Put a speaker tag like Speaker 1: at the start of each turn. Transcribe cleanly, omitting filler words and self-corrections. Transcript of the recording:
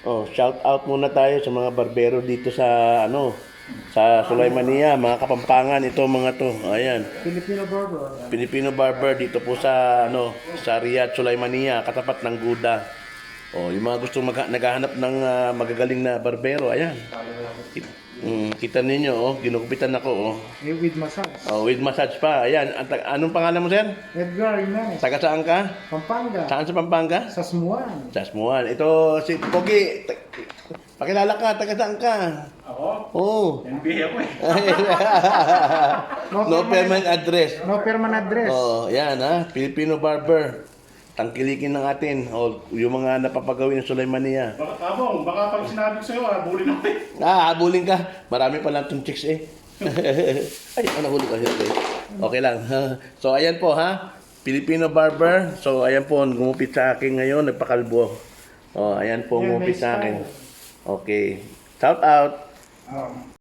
Speaker 1: Oh, shout out muna tayo sa mga barbero dito sa sa Sulaymania, mga Kapampangan ito mga to. Ayan.
Speaker 2: Filipino barber.
Speaker 1: Filipino barber dito po sa sa Riyadh, Sulaymania, katapat ng Guda. Oh, yung mga gustong naghahanap ng magagaling na barbero, ayan. Kita ninyo, ginugupitan ako,
Speaker 2: With massage.
Speaker 1: Oh, with massage pa. Ayan, anong pangalan mo, sir?
Speaker 2: Edgar Jimenez.
Speaker 1: Taga saan ka?
Speaker 2: Pampanga.
Speaker 1: Saan sa Pampanga?
Speaker 2: Sa Smuan.
Speaker 1: Sa Smuan. Ito si Pogi. Pakilala ka, taga saan ka?
Speaker 3: Ako?
Speaker 1: Oh.
Speaker 3: NBA ako eh.
Speaker 1: No permanent address.
Speaker 2: No permanent address.
Speaker 1: Oh, yan Filipino barber. Tangkilikin ng atin. Yung mga napapagawin ng Sulaymania.
Speaker 3: Baka tabong, baka pag sinabi ko sa'yo, bulin ako eh.
Speaker 1: Habulin ka. Marami pa lang itong chicks eh. Ay, nahuli ko. Okay lang. So, ayan po Filipino barber. So, ayan po, gumupit sa akin ngayon. Nagpakalbo. Ayan po,
Speaker 2: Yan,
Speaker 1: gumupit
Speaker 2: may
Speaker 1: sa akin.
Speaker 2: style.
Speaker 1: Okay. Shout out.